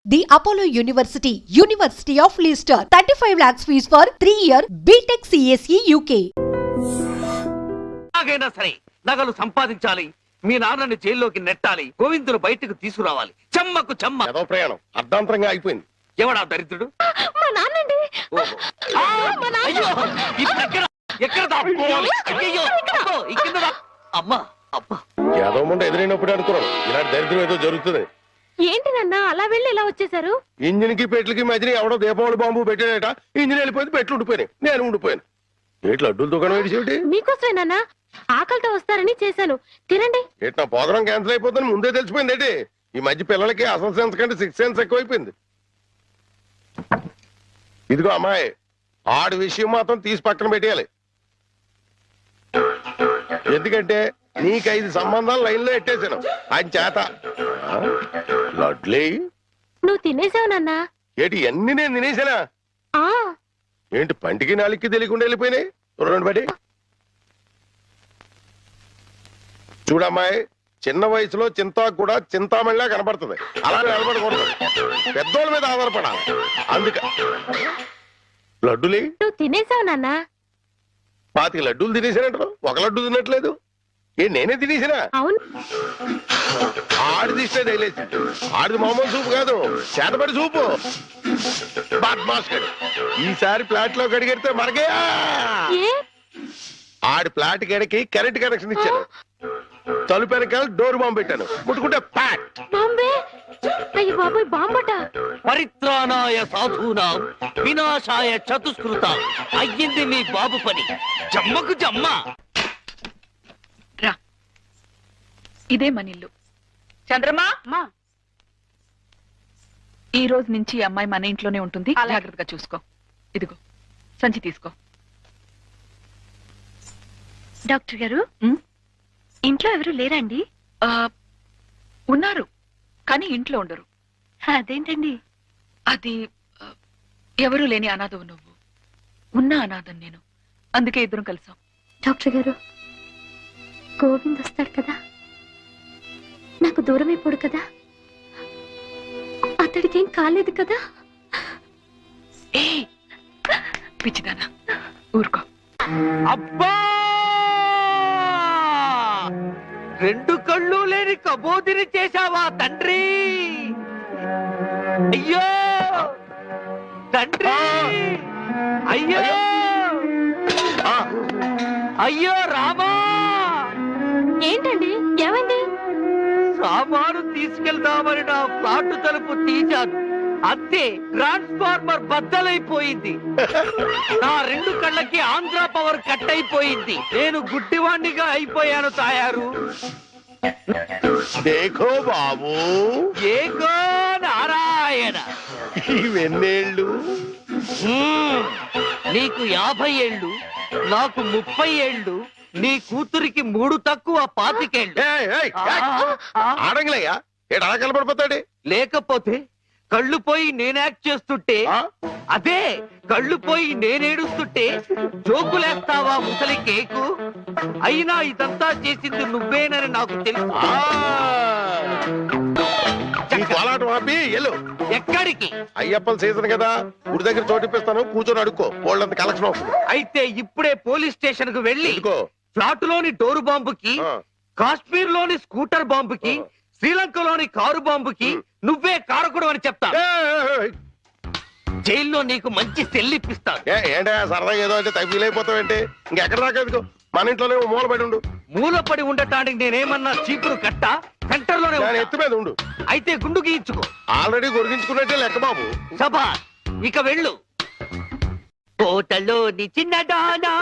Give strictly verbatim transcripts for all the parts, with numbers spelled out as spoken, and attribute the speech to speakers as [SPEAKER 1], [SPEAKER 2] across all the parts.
[SPEAKER 1] The Apollo University, University of Leicester, thirty-five lakhs fees for three year B Tech C S E U K.
[SPEAKER 2] నాగైనా సరే నగలు సంపాదించాలి, మీ నాన్నని జైల్లోకి నెట్టాలి, గోవిందులు బయటకు తీసుకురావాలి. చెమ్మకు చెమ్మ
[SPEAKER 3] ఏదో ప్రయాణం అర్ధాంతరంగా అయిపోయింది.
[SPEAKER 2] ఎవడా దరిద్రుడు?
[SPEAKER 4] మా నాన్నండి.
[SPEAKER 2] ఆ, అయ్యో, ఇప్పుడు ఎక్కడ ఎక్కడ దాక్కోవాలి? అయ్యయ్యో, అబ్బో, ఈ కింద దా- అమ్మా అబ్బా,
[SPEAKER 3] ఏదో ముందు ఎదురైనప్పుడు అనుకున్నాను ఇలాంటి దరిద్రం ఏదో జరుగుతుంది.
[SPEAKER 4] ఏంటి నాన్న అలా వెళ్ళి ఇలా వచ్చేసారు?
[SPEAKER 3] ఇంజిన్ కి పెట్లకి మధ్యన ఎవడో దీపావళి బాంబు పెట్టాడట. ఇంజిన్ వెళ్ళిపోయింది, పెట్లు ఉండిపోయినాయి, నేను ఉండిపోయాను. ఏట్లు అడ్డుల దుకాణం ఏడిసేటి?
[SPEAKER 4] మీకోసమే నాన్న, ఆకలితో వస్తారని చేశాను, తినండి.
[SPEAKER 3] ఏటి నా ప్రోగ్రాం క్యాన్సిల్ అయిపోతుందని ముందే తెలిసిపోయింది ఏంటి? ఈ మధ్య పిల్లలకి అసలు సెన్స్ కంటే సిక్స్ సెన్స్ ఎక్కువైపోయింది. ఇదిగో అమ్మాయి, ఆడి విషయం మాత్రం తీసి పక్కన పెట్టేయాలి. ఎందుకంటే నీకు ఐదు సంబంధాలు లైన్ లో ఎట్టేశాను ఆయన చేత. ఆ? లడ్లీ
[SPEAKER 4] నువ్వు తినేసావు నాన్న.
[SPEAKER 3] ఏంటి అన్ని నేను తినేసానా?
[SPEAKER 4] ఆ
[SPEAKER 3] ఏంటి పంటికి నాలుగుకి తెలియకుండా వెళ్ళిపోయినాయి? రెండు బడి చూడమ్మాయి, చిన్న వయసులో చింతాకు కూడా చింతామణిలా కనబడుతుంది. అలా నిలబడకూడదు, పెద్దోళ్ళ మీద ఆధారపడాలి. అందుక లడ్డులే
[SPEAKER 4] నువ్వు తినేసావు నాన్న.
[SPEAKER 3] పాతిక లడ్డూలు తినేసానంటారు, ఒక లడ్డు తినట్లేదు. ఏ నేనే తినేసినా?
[SPEAKER 4] అవును.
[SPEAKER 3] ఆడిది ఇష్టే తగిలేసి, ఆడిది మామూలు సూపు కాదు, చేతబడి సూపు. బాద్మాస్ గడి ఈసారి ప్లాట్ లో గడిగెడితే మనకే.
[SPEAKER 4] ఏ
[SPEAKER 3] ఆడి ప్లాట్ గడికి కరెంట్ కనెక్షన్ ఇచ్చాను, తలుపు వెనకాల డోర్ బాంబు పెట్టాను, ముట్టుకుంటే ప్యాట్.
[SPEAKER 4] బాంబే. అయ్యి బాబాయ్, బాంబట.
[SPEAKER 2] పరిత్రాణాయ సాధూనాం వినాశాయ చతుష్కృత. అయ్యింది మీ బాబు పని. జమ్మకు జమ్మ.
[SPEAKER 5] రా, ఇదే మన ఇల్లు. చంద్రమా, ఈ రోజు నుంచి ఈ అమ్మాయి మన ఇంట్లోనే ఉంటుంది, జాగ్రత్తగా చూసుకో. ఇదిగో సంచి తీసుకో.
[SPEAKER 4] డాక్టర్ గారు, ఇంట్లో ఎవరు లేరండి?
[SPEAKER 5] ఆ, ఉన్నారు కానీ ఇంట్లో ఉండరు.
[SPEAKER 4] అదేంటండి?
[SPEAKER 5] అది ఆ, ఎవరూ లేని అనాథవు నువ్వు, ఉన్న అనాథం నేను, అందుకే ఇద్దరం కలిసాం.
[SPEAKER 4] డాక్టర్ గారు, గోవింద్ వస్తాడు కదా, నాకు దూరం అయిపోడు కదా, అతడికి ఏం కాలేదు కదా?
[SPEAKER 5] ఏ పిచ్చిదానా, ఊరుకో.
[SPEAKER 2] అబ్బా, రెండు కళ్ళు లేని కబోదిని చేశావా తండ్రి? అయ్యో తండ్రి, అయ్యో అయ్యో రామా.
[SPEAKER 4] ఏంటండి, ఏమైంది?
[SPEAKER 2] సామాను తీసుకెళ్దామని నా ఫ్లాట్ తలుపు తీశాను, అంతే ట్రాన్స్ఫార్మర్ బద్దలైపోయింది. నా రెండు కళ్ళకి ఆంధ్ర పవర్ కట్ అయిపోయింది. నేను గుడ్డివాణ్ణిగా అయిపోయాను తాయారు.
[SPEAKER 3] దేఖో బాబు,
[SPEAKER 2] ఏగో నారాయణ.
[SPEAKER 3] ఇవెన్నేళ్ళు?
[SPEAKER 2] హ్మ్, నీకు యాభై ఏళ్ళు, నాకు ముప్పై ఏళ్ళు, నీ కూతురికి మూడు తక్కువ పాతికేళ్ళు.
[SPEAKER 3] ఆడంగిలయ్యా, ఏడు అలా కలపడిపోతాడు.
[SPEAKER 2] లేకపోతే కళ్ళు పోయి నేను యాక్ట్ చేస్తుంటే,
[SPEAKER 3] ఆ?
[SPEAKER 2] అదే కళ్ళు పోయి నేనేడుస్తుంటే జోకులేస్తావా ముసలి కేకు? అయినా ఇదంతా చేసింది నువ్వేనని నాకు తెలుసు.
[SPEAKER 3] ఆ! ఈ కోలాటం ఆపి ఎల్లు.
[SPEAKER 2] ఎక్కడికి?
[SPEAKER 3] అయ్యప్పల సీజన్ కదా, గుడి దగ్గర చోటిప్పిస్తాను, కూర్చొని అడుక్కో, వాళ్ళంత కలెక్షన్ వస్తుంది.
[SPEAKER 2] అయితే ఇప్పుడే పోలీస్ స్టేషన్ కు వెళ్ళి
[SPEAKER 3] ఎందుకో?
[SPEAKER 2] ఫ్లాట్ లోని డోరు బాంబుకి,
[SPEAKER 3] ఆ.
[SPEAKER 2] కాశ్మీర్ లోని స్కూటర్ బాంబుకి,
[SPEAKER 3] ఆ.
[SPEAKER 2] శ్రీలంకలోని కారు బాంబుకి నువ్వే కారకుడు అని చెప్తా. జైల్లో నీకు మంచి సెల్లిప్పిస్తాను.
[SPEAKER 3] ఏంటే సరదాగా ఏదో అంటే ఫీల్ అయిపోతావేంటి? ఇంకెక్కడ దాకా ఎందుకు, మన ఇంట్లోనే మూల పడి ఉండు.
[SPEAKER 2] మూలపడి ఉండటానికి నేనేమన్నా చీపురు కట్ట సెంటర్ లోనే
[SPEAKER 3] నేను
[SPEAKER 2] ఉంటా.
[SPEAKER 3] ఎత్తు మీద ఉండు.
[SPEAKER 2] అయితే గుండు గీయించుకో.
[SPEAKER 3] ఆల్రెడీ గొరిగించుకున్నట్టే లెక్క బాబు.
[SPEAKER 2] సభా, ఇక వెళ్ళు. కోటలోని చిన్నదానా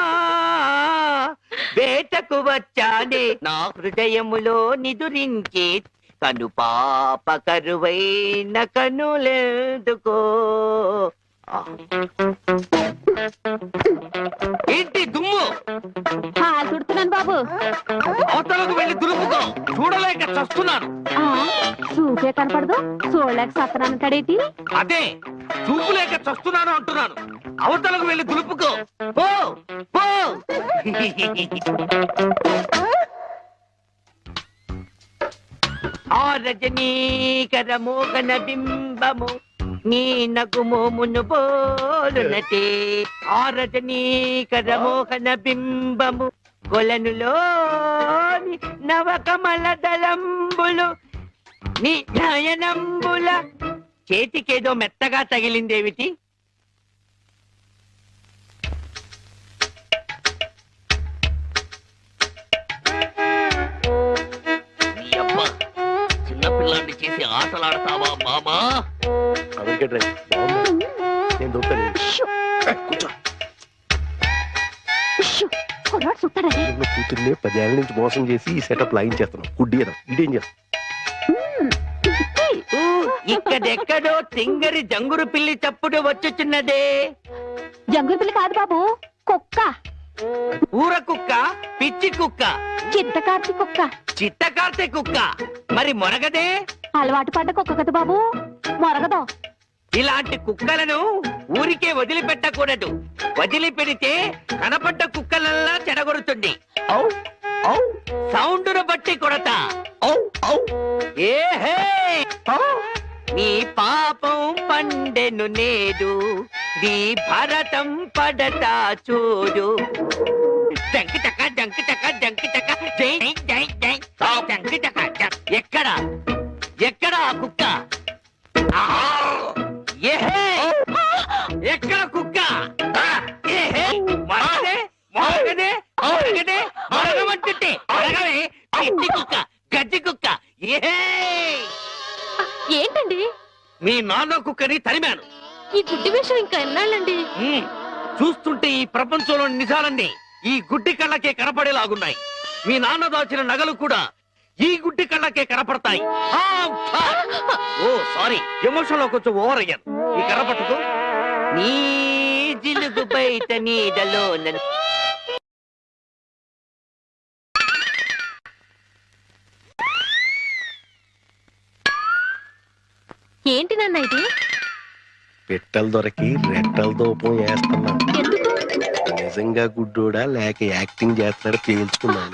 [SPEAKER 2] వేటకు వచ్చానే, నా హృదయములో నిదురించే కను పాప కరువైన కనులెందుకో. ఏంటి దుమ్ము?
[SPEAKER 4] తుడుతున్నాను బాబు.
[SPEAKER 2] అవతలకు వెళ్ళి దులుపుకో, చూడలేక చస్తున్నాను.
[SPEAKER 4] చూపే కనపడదు, చూడలేక సత్తనానంటాడేటి?
[SPEAKER 2] అదే చూపు లేక చస్తున్నాను అంటున్నాను. అవతలకు వెళ్ళి దులుపుకో, పో పో. ఆ రజనీకర మోగన బింబము నీ నగుమోమును పోలునటే. ఆ రజనీకర మోహన బింబము కొలనులోని నవకమల దళంబులు నీ నయనంబుల. చేతికేదో మెత్తగా తగిలిందేమిటి? చిన్నపిల్లాన్ని చేసి ఆటలాడతావా మామా?
[SPEAKER 3] నేను దొరుకుతాను. కూతుర్నే పదేళ్ల నుంచి మోసం చేసి ఈ సెటప్ లాగించేస్తున్నాం. గుడ్డి ఇదేం చేస్తాం?
[SPEAKER 2] ఇక్కడెక్కడో తింగరి జంగురు పిల్లి చప్పుడు వచ్చుచున్నదే.
[SPEAKER 4] జంగుల పిల్ల కాదు బాబు, కుక్క.
[SPEAKER 2] ఊర కుక్క, పిచ్చి కుక్క,
[SPEAKER 4] చిత్తకార్తి కుక్క.
[SPEAKER 2] చిత్తకార్తె కుక్క. మరి మొరగదే?
[SPEAKER 4] అలవాటు పడ్డ కుక్క కదా బాబు, మొరగదు.
[SPEAKER 2] ఇలాంటి కుక్కలను ఊరికే వదిలిపెట్టకూడదు. వదిలిపెడితే కనపడ్డ కుక్కలల్లా చెడగొడుతుంది. ఔ, ఔ, సౌండును బట్టి కొడతా. ఔ, ఔ, ఏహే, ఔ. నీ పాపం పండెను నేడు, నీ భరతం పడతా చూడు. జంకి చక్క జంకి చక్క జంకి చక్క జై జై జై జంకి చక్క జం. ఎక్కడ ఎక్కడ ఆ కుక్క? ఆహా! ఏహే! ఎక్కడ కుక్క? ఏహే! మరగదే మరగదే మరగదే మరగమంటుంటే మరగవే. పిచ్చి కుక్క, గజ్జి కుక్క. ఏహే!
[SPEAKER 4] ఏంటండి
[SPEAKER 2] మీ నాన్న కుక్కని తరిమాను.
[SPEAKER 4] ఈ గుడ్డి విషయం ఇంకా ఎన్నాళ్ళండి?
[SPEAKER 2] ఉమ్, చూస్తుంటే ఈ ప్రపంచంలోని నిజాలన్నీ ఈ గుడ్డి కళ్ళకే కనపడేలాగున్నాయి. మీ నాన్న దాచిన నగలు కూడా ఈ గుడ్డి కళ్ళకే కనపడతాయి. ఆ, ఆ. ఓ సారీ, ఎమోషన్ లో కొంచెం ఓవర్ అయ్యాను. ఈ కనపడదు. నీ జిలుగు బయట నీడలో నన్ను.
[SPEAKER 4] ఏంటి నాన్న ఇది?
[SPEAKER 3] పెట్టెలు దొరికి రెట్టెల దూపం వేస్తున్నా.
[SPEAKER 4] ఎందుకు?
[SPEAKER 3] నిజంగా గుడ్డోడా లేక యాక్టింగ్ చేస్తున్నాడు తేల్చుకున్నాను.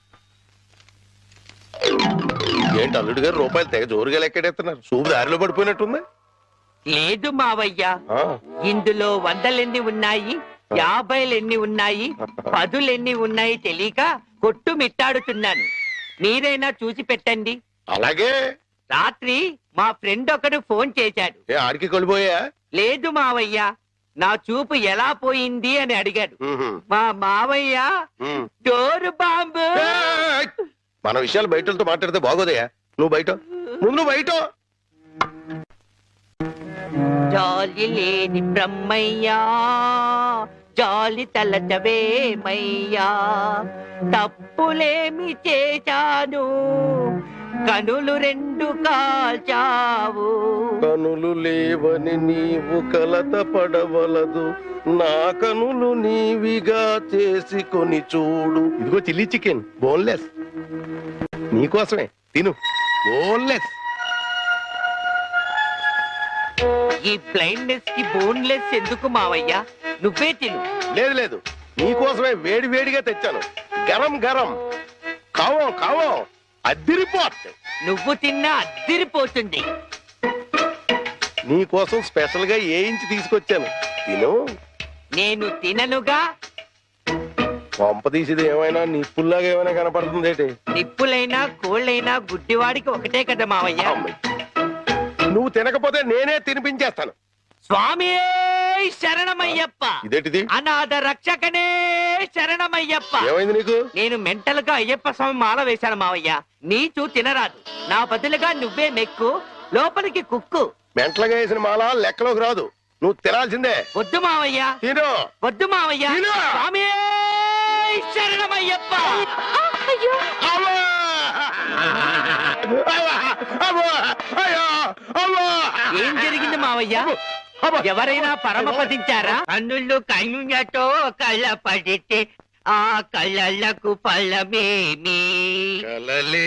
[SPEAKER 3] ఏంటి అల్లుడు గారు రూపాయలు తెగ జోరుగా లెక్కెడేస్తున్నారు? సూపు దారిలో పడిపోయినట్టుంది.
[SPEAKER 2] లేదు మావయ్య,
[SPEAKER 3] ఆ,
[SPEAKER 2] ఇందులో వందలెన్ని ఉన్నాయి, యాభైలెన్ని ఉన్నాయి, పదులెన్ని ఉన్నాయి తెలియక కొట్టు మిట్టాడుతున్నాను. మీరైనా చూసి పెట్టండి.
[SPEAKER 3] అలాగే.
[SPEAKER 2] రాత్రి మా ఫ్రెండ్ ఒకడు ఫోన్ చేశాడు.
[SPEAKER 3] ఏ ఆడికి కొలిపోయా?
[SPEAKER 2] లేదు మావయ్య, నా చూపు ఎలా పోయింది అని అడిగాడు. మా మావయ్య డోరు బాంబు.
[SPEAKER 3] ఏయ్! మన విషయాలు బయటతో మాట్లాడితే బాగోదయా? నువ్వు బయట ముందు నువ్వు బయట.
[SPEAKER 2] జాలి లేని బ్రహ్మయ్యా, జాలి తలచవేమయ్యా, తప్పులేమి చేశాను, కనులు రెండు కాల్చావు.
[SPEAKER 3] కనులు లేవని నీవు కలత పడవలదు, నా కనులు నీవిగా చేసుకొని చూడు. ఇదిగో చిల్లీ చికెన్ బోన్లెస్ నీకోసమే, తిను. బోన్లెస్.
[SPEAKER 2] ఈ బ్లైండ్నెస్ కి బోన్లెస్ ఎందుకు మావయ్య? నువ్వే తిను.
[SPEAKER 3] లేదు లేదు, నీకోసమే వేడి వేడిగా తెచ్చాను. గరం గరం కావం కావం అద్దిరిపోట్.
[SPEAKER 2] నువ్వు తిన్నా అద్దిరిపోతుంది.
[SPEAKER 3] నీకోసం స్పెషల్ గా ఏ ఇంచి తీసుకొచ్చాను, తిను.
[SPEAKER 2] నేను తిననుగా.
[SPEAKER 3] పంప తీసేది ఏమైనా నిప్పుల్లాగా ఏమైనా కనపడుతుంది ఏంటి?
[SPEAKER 2] నిప్పులైనా కోళ్ళైనా గుడ్డివాడికి ఒకటే కదా మావయ్య.
[SPEAKER 3] నువ్వు తినకపోతే నేనే తినిపించేస్తాను.
[SPEAKER 2] స్వామి శరణమయ్యప్ప.
[SPEAKER 3] ఇదేంటిది?
[SPEAKER 2] అనాథ రక్షకనే శరణమయ్యప్ప.
[SPEAKER 3] ఏమైంది నీకు?
[SPEAKER 2] నేను మెంటల్ గా అయ్యప్ప స్వామి మాల వేశాను మావయ్య. నీచు తినరాదు, నా బదులుగా నువ్వే మెక్కు, లోపలికి కుక్కు.
[SPEAKER 3] మెంటలుగా వేసిన మాల లెక్కలోకి రాదు, నువ్వు తినాల్సిందే.
[SPEAKER 2] వద్దు మావయ్య,
[SPEAKER 3] తిను.
[SPEAKER 2] వద్దు మావయ్య.
[SPEAKER 3] తిను.
[SPEAKER 2] స్వామి శరణమయ్యప్ప.
[SPEAKER 4] అయ్యో
[SPEAKER 3] అవ్వా! అవ్వా! అవ్వా! అయ్యో! అవ్వా!
[SPEAKER 2] ఏం జరిగింది మావయ్య?
[SPEAKER 3] అవ్వా!
[SPEAKER 2] ఎవరైనా పరమపదించారా? కన్నుళ్ళు కన్నులతో కళ్ళ పడితే ఆ కళ్ళకు ఫలమేమి?
[SPEAKER 3] కలలే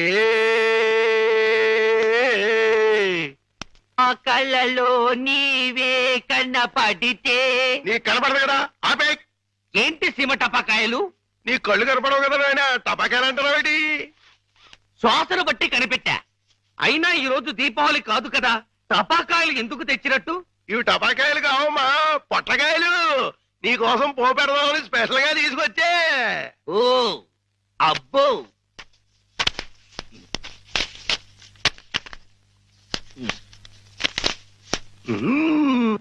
[SPEAKER 2] ఆ కళ్ళలో నీవే కన్నపడితే.
[SPEAKER 3] నీ కనపడదు కదా, ఆపే.
[SPEAKER 2] ఏంటి సీమ టపాకాయలు?
[SPEAKER 3] నీ కళ్ళు కనపడవు కదా నాయన, టపాకాయలు అంటున్నావేటి?
[SPEAKER 2] శ్వాసను బట్టి కనిపెట్టా. అయినా ఈ రోజు దీపావళి కాదు కదా, టపాకాయలు ఎందుకు తెచ్చినట్టు?
[SPEAKER 3] ఇవి టపాకాయలు కావమ్మా, పొట్లకాయలు. నీకోసం పో పెడదామని స్పెషల్ గా తీసుకొచ్చే.
[SPEAKER 2] ఓ అబ్బో,
[SPEAKER 3] మ్మ్.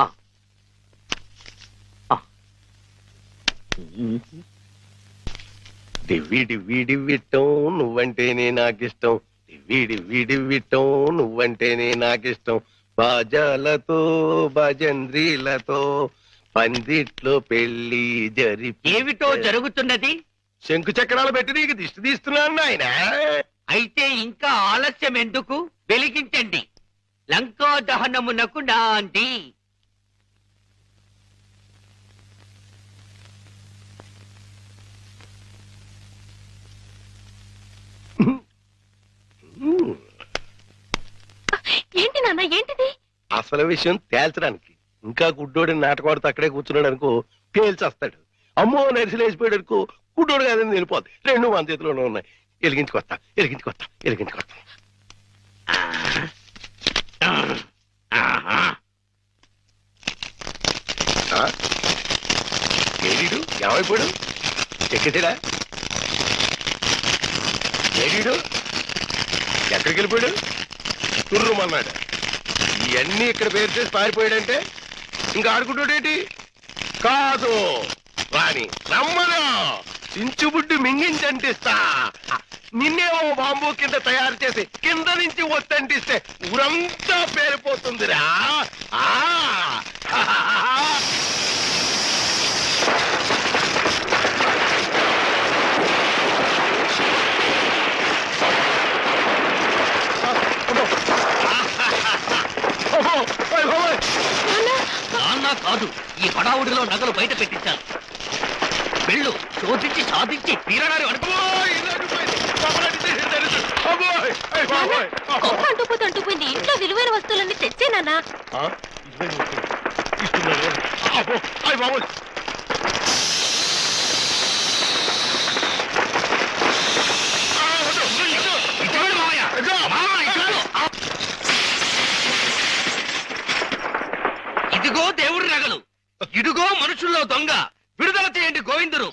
[SPEAKER 3] డివ్వి డివ్వి డివ్విట్టం నువ్వంటేనే నాకిష్టం, డివ్వి డివ్వి డివ్విట్టం నువ్వంటేనే నాకిష్టం. బాజాలతో భజంద్రీలతో పందిట్లో పెళ్లి జరిపి.
[SPEAKER 2] ఏమిటో జరుగుతున్నది?
[SPEAKER 3] శంకు చక్రాలు పెట్టి నీకు దిష్టి తీస్తున్నాను ఆయన.
[SPEAKER 2] అయితే ఇంకా ఆలస్యం ఎందుకు? వెలిగించండి. లంకా దహనమునకు నాంది.
[SPEAKER 4] ఏంటి నాన్న, ఏంటిది?
[SPEAKER 3] అసలు విషయం తేల్చడానికి ఇంకా గుడ్డోడిని నాటకవాడుతూ అక్కడే కూర్చున్నాడు అనుకో, పేల్చేస్తాడు. అమ్మో నరిసిలేసిపోయాడు అనుకో, గుడ్డోడు కాదని వెళ్ళిపోద్ది. రెండు మన చేతిలోనే ఉన్నాయి. ఎలిగించుకొస్తా ఎలిగించుకొస్తా ఎలిగించుకొస్తా. ఏడీడు ఏమైపోయాడు? ఎక్కడా ఏడీడు? ఎక్కడికి వెళ్ళిపోయాడు? తుర్రుమన్నాడు. ఇవన్నీ ఇక్కడ పేరు చేసి పారిపోయాడంటే ఇంకా ఆడుకుంటాడేంటి? కాదు రాని రమ్మను, చించుబుడ్డి మింగించంటిస్తా. నిన్నేమో బాంబు కింద తయారు చేసి కింద నుంచి వస్తంటిస్తే ఊరంతా పేరిపోతుందిరా. ఆ
[SPEAKER 2] నాన్న కాదు, ఈ హడావుడిలో నగలు బయట పెట్టించాలి. వెళ్ళు, శోధించి సాధించి తీరడారి అనుకో.
[SPEAKER 4] గొప్ప అంటుపోతే అంటుపోయింది. ఇంట్లో విలువైన వస్తువులన్నీ తెచ్చే నాన్న.
[SPEAKER 2] ఇదిగో దేవుడి నగలు, ఇదిగో మనుషుల్లో దొంగ. విడుదల చేయండి గోవిందుడు.